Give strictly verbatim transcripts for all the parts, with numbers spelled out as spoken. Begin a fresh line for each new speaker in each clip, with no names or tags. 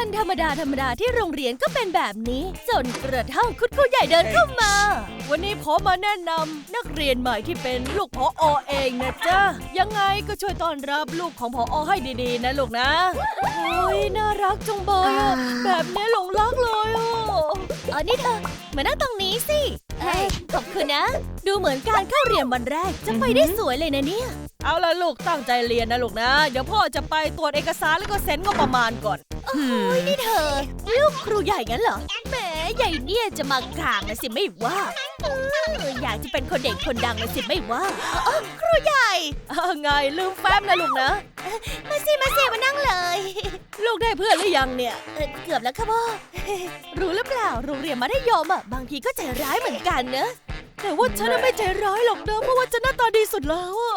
วันธรรมดาธรรมดาที่โรงเรียนก็เป็นแบบนี้จนกระทั่งคุณครูใหญ่เดินเข้ามาวันนี้ผมมาแนะนำนักเรียนใหม่ที่เป็นลูกผอ.เองนะจ๊ะยังไงก็ช่วยต้อนรับลูกของผอ.ให้ดีๆนะลูกนะโอ้ยน่ารักจังเลยอ่ะแบบนี้หลงรักเลยอ่ะอ๋อนี่เธอมานั่งตรงนี้สิเอ้ยขอบคุณนะดูเหมือนการเข้าเรียนวันแรกจะไปได้สวยเลยนะเนี่ยเอาละลูกตั้งใจเรียนนะลูกนะเดี๋ยวพ่อจะไปตรวจเอกสารแล้วก็เซ็นงบประมาณก่อนโอ้ยนี่เธอลูกครูใหญ่งั้นเหรอแหมใหญ่เนี่ยจะมากลางนะสิไม่ว่าเอออยากจะเป็นคนเด่นคนดังนะสิไม่ว่าอ๋อครูใหญ่ไงลืมแฟ้มนะลูกนะมาสิมาสิมานั่งเลยลูกได้เพื่อนหรือยังเนี่ยเเกือบแล้วค่ะพ่อรู้หรือเปล่าโรงเรียนมัธยมอ่ะบางทีก็ใจร้ายเหมือนกันนะแต่ว่าฉันไม่ใจร้ายหรอกนะเพราะว่าฉันหน้าตาดีสุดแล้วอ่ะ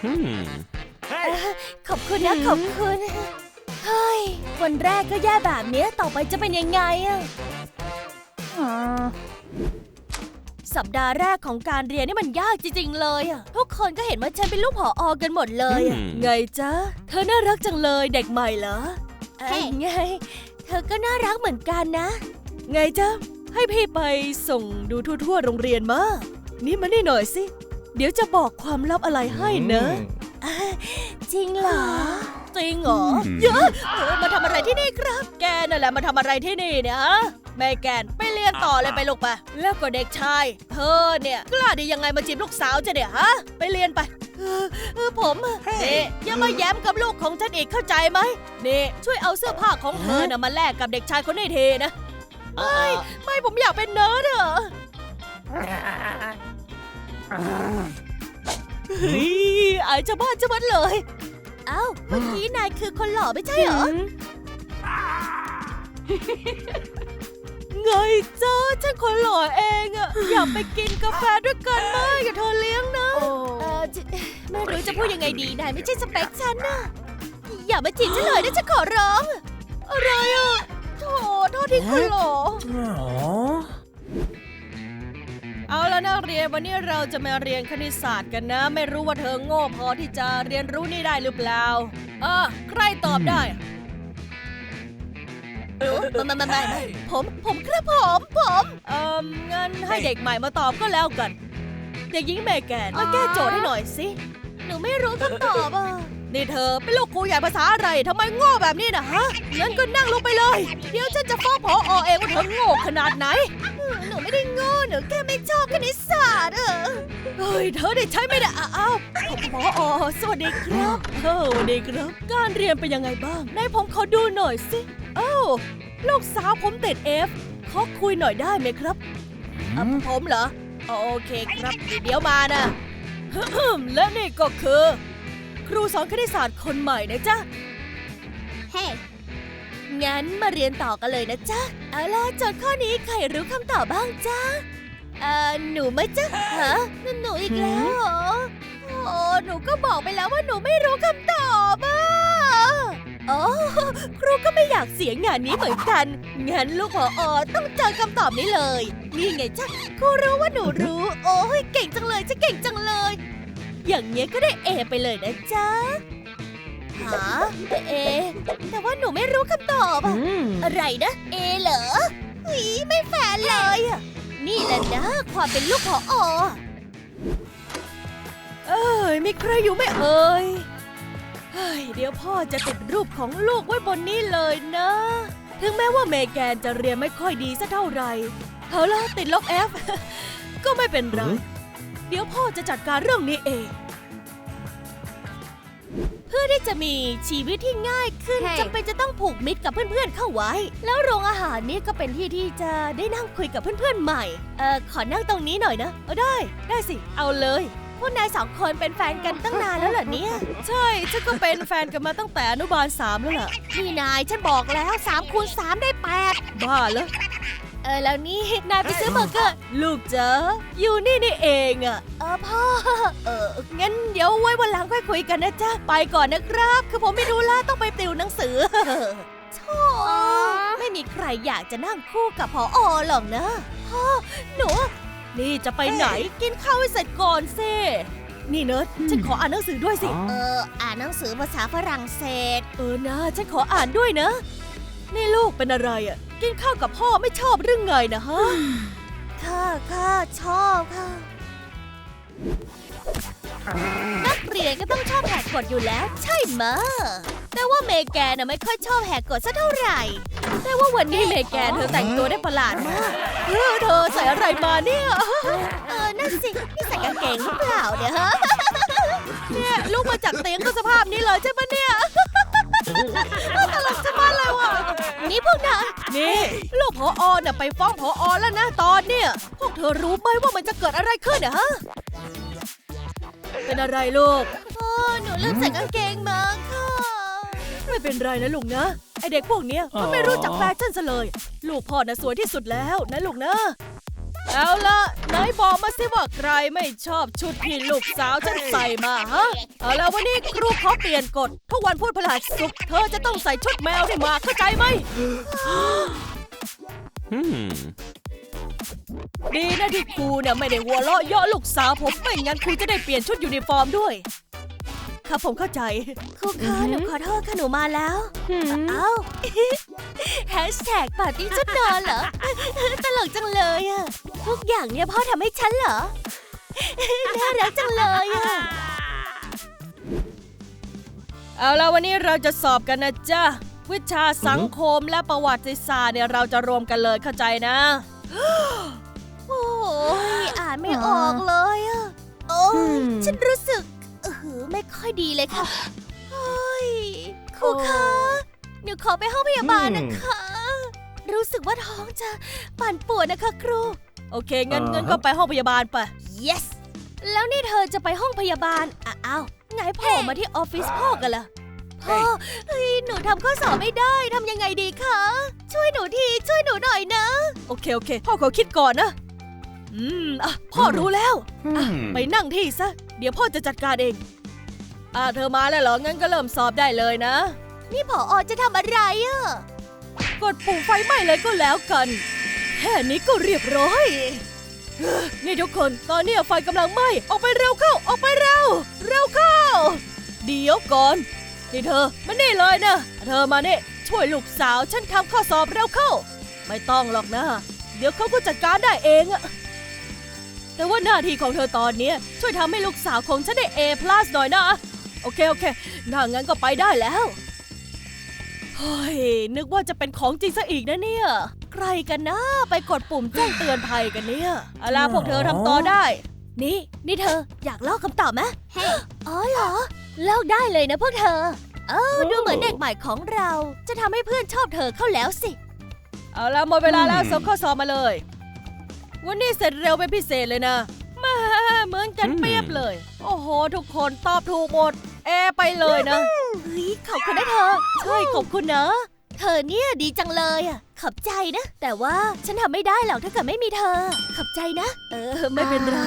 ขอบคุณนะขอบคุณเฮ้ยวันแรกก็แย่แบบนี้ต่อไปจะเป็นยังไงอะสัปดาห์แรกของการเรียนนี่มันยากจริงๆเลยอะทุกคนก็เห็นว่าฉันเป็นลูกผอ.กันหมดเลยอะไงจ๊ะเธอน่ารักจังเลยเด็กใหม่เหรอเอ้ยไงเธอก็น่ารักเหมือนกันนะไงจ๊ะให้พี่ไปส่งดูทั่วๆโรงเรียนมานี่มานี่หน่อยสิเดี๋ยวจะบอกความลับอะไรให้นะจริงเหรอจริงเหรอเยอะมาทำอะไรที่นี่ครับแกนั่นแหละมาทำอะไรที่นี่เนี่ยฮะแม่แกนไปเรียนต่อเลยไปลูกไปแล้วก็เด็กชายเธอเนี่ยกล้าได้ยังไงมาจีบลูกสาวจะเนี่ยฮะไปเรียนไปเออเออผมนี่อย่ามาแย้มกับลูกของฉันอีกเข้าใจไหมนี่ช่วยเอาเสื้อผ้าของเธอน่ะมาแลกกับเด็กชายคนนี้ทีนะไม่ไม่ผมอยากเป็นเนิร์ดอะเฮ้ยไอ้จะบ้าจะบัดเลยเอ้าเมื่อกี้นายคือคนหล่อไม่ใช่เหรอไงจ้าฉันคนหล่อเองอะอยากไปกินกาแฟด้วยกันไหมอย่าเธอเลี้ยงนะเออไม่รู้จะพูดยังไงดีนายไม่ใช่สเปคฉันนะอย่ามาจีบฉันเลยนะฉันขอร้องอะไรอะโธ่โทษที่คุณหล่อเอาแล้วนักเรียนวันนี้เราจะมาเรียนคณิตศาสตร์กันนะไม่รู้ว่าเธอโง่พอที่จะเรียนรู้นี่ได้หรือเปล่าเออใครตอบได้ไม่ไม่ไม่ไม่ผมผมครับผมผมเอ่องั้นให้เด็กใหม่มาตอบก็แล้วกันเด็กหญิงเมแกนมาแก้โจทย์ให้หน่อยสิหนูไม่รู้คำตอบอ่ะนี่เธอเป็นลูกครูใหญ่ภาษาอะไรทำไมโง่แบบนี้นะฮะงั้นก็นั่งลงไปเลยเดี๋ยวฉันจะฟ้องผอ.เองว่าเธอโง่ขนาดไหนหนูไม่ได้โง่หนูแค่ไม่ชอบคณิตศาสตร์เออเฮ้ยเธอได้ใช้ไม่ได้อ้าวผอ.สวัสดีครับเออสวัสดีครับการเรียนเป็นยังไงบ้างนายผมขอดูหน่อยสิเอ้าลูกสาวผมติด F ขอคุยหน่อยได้ไหมครับผมเหรอโอเคครับเดี๋ยวมานะและนี่ก็คือครูสอนคณิตศาสตร์คนใหม่นะจ๊ะเฮ้ งั้นมาเรียนต่อกันเลยนะจ๊ะเอาล่ะโจทย์ข้อนี้ใครรู้คำตอบบ้างจ๊ะเอ่อหนูไหมจ๊ะฮะหนูอีกแล้วเหรอโอ้หนูก็บอกไปแล้วว่าหนูไม่รู้คำตอบอ่ะโอ้ครูก็ไม่อยากเสียงานนี้เหมือนกันงั้นลูกผอ.ต้องเจอคำตอบนี้เลยนี่ไงจ๊ะครูรู้ว่าหนูรู้โอ้ยเก่งจังเลยจะเก่งจังเลยอย่างเงี้ยก็ได้เอไปเลยนะจ๊ะหาเอแต่ว่าหนูไม่รู้คำตอบอะอะไรนะเอเหรอหีไม่แฟร์เลยอะนี่แหละนะความเป็นลูกผอ.เอ้ยมีใครอยู่ไหมเอ่ยเฮ้ยเดี๋ยวพ่อจะติดรูปของลูกไว้บนนี้เลยนะถึงแม้ว่าเมแกนจะเรียนไม่ค่อยดีสักเท่าไหร่เอาล่ะติดลบ F ก็ไม่เป็นไรเดี๋ยวพ่อจะจัดการเรื่องนี้เองเพื่อที่จะมีชีวิตที่ง่ายขึ้น hey. จำเป็นจะต้องผูกมิตรกับเพื่อนๆเข้าไว้แล้วโรงอาหารนี้ก็เป็นที่ที่จะได้นั่งคุยกับเพื่อนๆใหม่เอ่อขอนั่งตรงนี้หน่อยนะเออได้ได้สิเอาเลยพวกนายสองคนเป็นแฟนกันตั้งนานแล้วเหรอเนี่ยใช่ฉันก็เป็นแฟนกันมาตั้งแต่อนุบาลสามแล้วล่ะนี่นายฉันบอกแล้วสามคูณสามได้แปดบ้าเหรอเออแล้วนี่นายไปซื้อเบอร์เกอร์ลูกจ๋าอยู่นี่นี่เองอ่ะเออพ่อเอองั้นเดี๋ยวไว้วันหลังค่อยคุยกันนะจ๊ะไปก่อนนะครับคือผมไม่รู้ละต้องไปติวหนังสือโธ่ไม่มีใครอยากจะนั่งคู่กับผอ.หรอกนะพ่อหนูนี่จะไปไหนกินข้าวให้เสร็จก่อนสินี่เนิร์ดฉันขออ่านหนังสือด้วยสิเอออ่านหนังสือภาษาฝรั่งเศสเออนะฉันขออ่านด้วยนะนี่ลูกเป็นอะไรอ่ะกินข้าวกับพ่อไม่ชอบหรือไงนะฮะ ค่ะค่ะชอบค่ะนักเรียนก็ต้องชอบแหกกฎอยู่แล้วใช่ไหมแต่ว่าเมแกนน่ะไม่ค่อยชอบแหกกฎสักเท่าไหร่แต่ว่าวันนี้เมแกนเธอแต่งตัวได้ประหลาดมากเออเธอใส่อะไรมาเนี่ยเออนั่นสินี่ใส่กางเกงหรือเปล่าเนี่ยฮะเนี่ยลูกมาจากเตียงก็สภาพนี้เลยใช่ไหมเนี่ยตลกจะมาเลยว่ะนี่พวกนายนี่ลูกผอน่ะไปฟ้องผอแล้วนะตอนเนี่ยพวกเธอรู้ไหมว่ามันจะเกิดอะไรขึ้นอะฮะเป็นอะไรลูกพ่อหนูลืมใส่กางเกงมาค่ะไม่เป็นไรนะลูกนะไอเด็กพวกเนี้ยมันไม่รู้จักแฟชั่นซะเลยลูกพ่อน่ะสวยที่สุดแล้วนะลูกนะเอาล่ะนายบอกมาสิว่าใครไม่ชอบชุดที่ลูกสาวฉันใส่มาฮะเอาล่ะวันนี้ครูขอเปลี่ยนกฎทุกวันพุธพฤหัสศุกร์เธอจะต้องใส่ชุดแมวที่มาเข้าใจไหมดีนะที่ครูเนี่ยไม่ได้หัวเราะเยาะลูกสาวผมไม่งั้นครูจะได้เปลี่ยนชุดยูนิฟอร์มด้วยครับผมเข้าใจครูคะหนูขอโทษค่ะหนูมาแล้วเอ้าแฮชแท็กปาร์ตี้ชุดนอนเหรอตลกจังเลยอะทุกอย่างเนี่ยพ่อทำให้ฉันเหรอน่ารักจังเลยอะเอาล่ะวันนี้เราจะสอบกันนะจ๊ะวิชาสังคมและประวัติศาสตร์เนี่ยเราจะรวมกันเลยเข้าใจนะโอ้ยอ่านไม่ออกเลยอะโอ้ยฉันรู้สึกเออไม่ค่อยดีเลยค่ะเฮ้ยครูคะหนูขอไปห้องพยาบาลนะคะรู้สึกว่าท้องจะปั่นป่วนนะคะครูโอเคงั้นงั้นก็ไปห้องพยาบาลไป yes แล้วนี่เธอจะไปห้องพยาบาลอ้าวไงโผล่มาที่ออฟฟิศพ่อกันล่ะพ่อเฮ้ยหนูทำข้อสอบไม่ได้ทำยังไงดีคะช่วยหนูทีช่วยหนูหน่อยนะโอเคโอเคพ่อขอคิดก่อนนะอืมอ่ะพ่อรู้แล้วอ่ะไปนั่งที่ซะเดี๋ยวพ่อจะจัดการเองอ่ะเธอมาแล้วเหรองั้นก็เริ่มสอบได้เลยนะนี่ผอ.จะทำอะไรอ่ะกดปุ่มไฟไหม้เลยก็แล้วกันแค่นี้ก็เรียบร้อยนี่ทุกคนตอนนี้ไฟกำลังไหม้ออกไปเร็วเข้าออกไปเร็วเร็วเข้าเดี๋ยวก่อนนี่เธอมานี่เลยนะเธอมานี่ช่วยลูกสาวฉันทำข้อสอบเร็วเข้าไม่ต้องหรอกนะเดี๋ยวเขาก็จัดการได้เองอะแต่ว่าหน้าที่ของเธอตอนนี้ช่วยทำให้ลูกสาวของฉันได้ A พลัส หน่อยนะโอเคโอเคถ้างั้นก็ไปได้แล้วเฮ้ยนึกว่าจะเป็นของจริงซะอีกนะเนี่ยใครกันนะไปกดปุ่มแจ้งเตือนภัยกันเนี่ยเอาล่ะพวกเธอทำต่อได้นี่นี่เธออยากลอกคำตอบไหมอ๋อเหรอลอกได้เลยนะพวกเธอเออดูเหมือนเด็กใหม่ของเราจะทำให้เพื่อนชอบเธอเข้าแล้วสิเอาล่ะหมดเวลาแล้วส่งข้อสอบมาเลยวันนี้เสร็จเร็วเป็นพิเศษเลยนะมาเหมือนกันเปรียบเลยโอ้โหทุกคนตอบถูกหมดแอไปเลยนะเฮ้ยขอบคุณนะเธอใช่ขอบคุณนะเธอเนี่ยดีจังเลยอ่ะขอบใจนะแต่ว่าฉันทำไม่ได้หรอกถ้าเกิดไม่มีเธอขอบใจนะเออไม่เป็นไร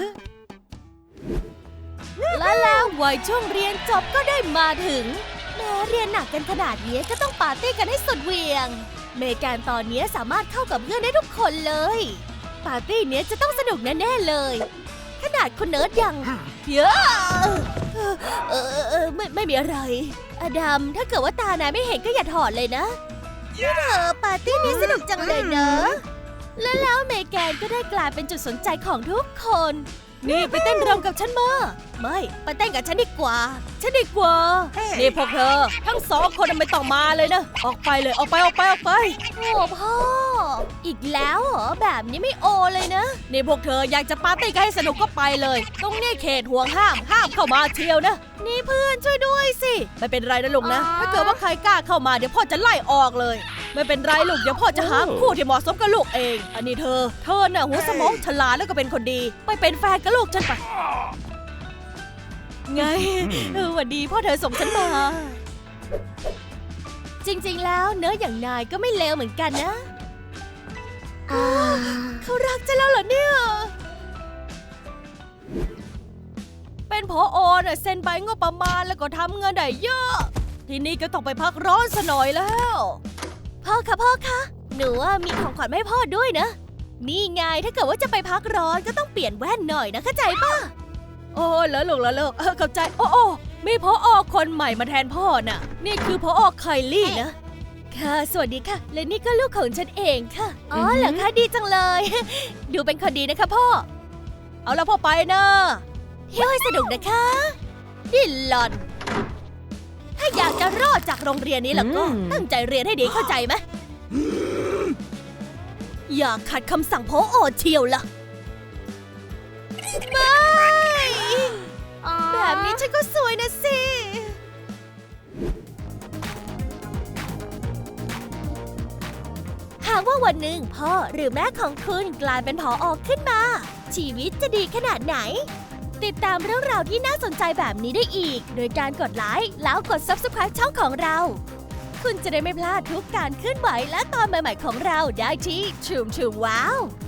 และแล้ววัยช่วงเรียนจบก็ได้มาถึงแม้เรียนหนักกันขนาดนี้ก็ต้องปาร์ตี้กันให้สุดเหวี่ยงเมแกนตอนนี้สามารถเข้ากับเพื่อนได้ทุกคนเลยปาร์ตี้เนี้ยจะต้องสนุกแน่ๆเลยขนาดคุณเนิร์ดยังเยอะเออเออเออไม่ไม่มีอะไรอดัมถ้าเกิดว่าตานายไม่เห็นก็อย่าถอดเลยนะนี่เธอปาร์ตี้นี้สนุกจังเลยเนอะและแล้วเมแกนก็ได้กลายเป็นจุดสนใจของทุกคนนี่ไปเต้นรำกับฉันมาไม่ไปเต้นกับฉันดีกว่าฉันดีกว่านี่พวกเธอทั้งสองคนไม่ต้องมาเลยนะออกไปเลยออกไปออกไปออกไปโอ้พ่ออีกแล้วเหรอแบบนี้ไม่โอเลยนะนี่พวกเธออยากจะปาร์ตี้กันให้สนุกก็ไปเลยตรงนี้เขตห่วงห้ามห้ามเข้ามาเชียวนะนี่เพื่อนช่วยด้วยสิไม่เป็นไรนะลูกนะถ้าเกิดว่าใครกล้าเข้ามาเดี๋ยวพ่อจะไล่ออกเลยไม่เป็นไรลูกเดี๋ยวพ่อจะหาคู่ที่เหมาะสมกับลูกเองอันนี้เธอเธอน่ะหัวสมองฉลาดแล้วก็เป็นคนดีไปเป็นแฟนกับลูกฉันไปไงเออวันดีพ่อเธอส่งฉันมาจริงๆแล้วเนื้ออย่างนายก็ไม่เลวเหมือนกันนะเขารักฉันแล้วเหรอเนี่ยเป็นผอ.น่ะเซ็นใบงบประมาณแล้วก็ทำเงินได้เยอะทีนี้ก็ต้องไปพักร้อนซะหน่อยแล้วพ่อคะพ่อคะหนูว่ามีของขวัญให้พ่อด้วยนะนี่ไงถ้าเกิดว่าจะไปพักร้อนก็ต้องเปลี่ยนแว่นหน่อยนะเข้าใจป่ะโอ้แล้วลูกแล้วลูกเออเข้าใจโอ้โอ้มีผอ.คนใหม่มาแทนพ่อน่ะนี่คือผอ.ไคลี่นะค่ะสวัสดีค่ะและนี่ก็ลูกของฉันเองค่ะอ๋อเหรอคะดีจังเลย ดูเป็นคนดีนะคะพ่อเอาละพ่อไปนะเที่ยวให้สนุกนะคะดิลลอนถ้าอยากจะรอดจากโรงเรียนนี้แล้วก็ตั้งใจเรียนให้ดีเข้าใจไหมอย่าขัดคำสั่งผอ.เชียวล่ะไม่แบบนี้ฉันก็สวยนะสิหากว่าวันหนึ่งพ่อหรือแม่ของคุณกลายเป็นผอ.ขึ้นมาชีวิตจะดีขนาดไหนติดตามเรื่องราวที่น่าสนใจแบบนี้ได้อีกโดยการกดไลค์แล้วกด ซับสไครบ์ ช่องของเราคุณจะได้ไม่พลาดทุกการเคลื่อนไหวและตอนใหม่ๆของเราได้ที่ Choom Choom Wow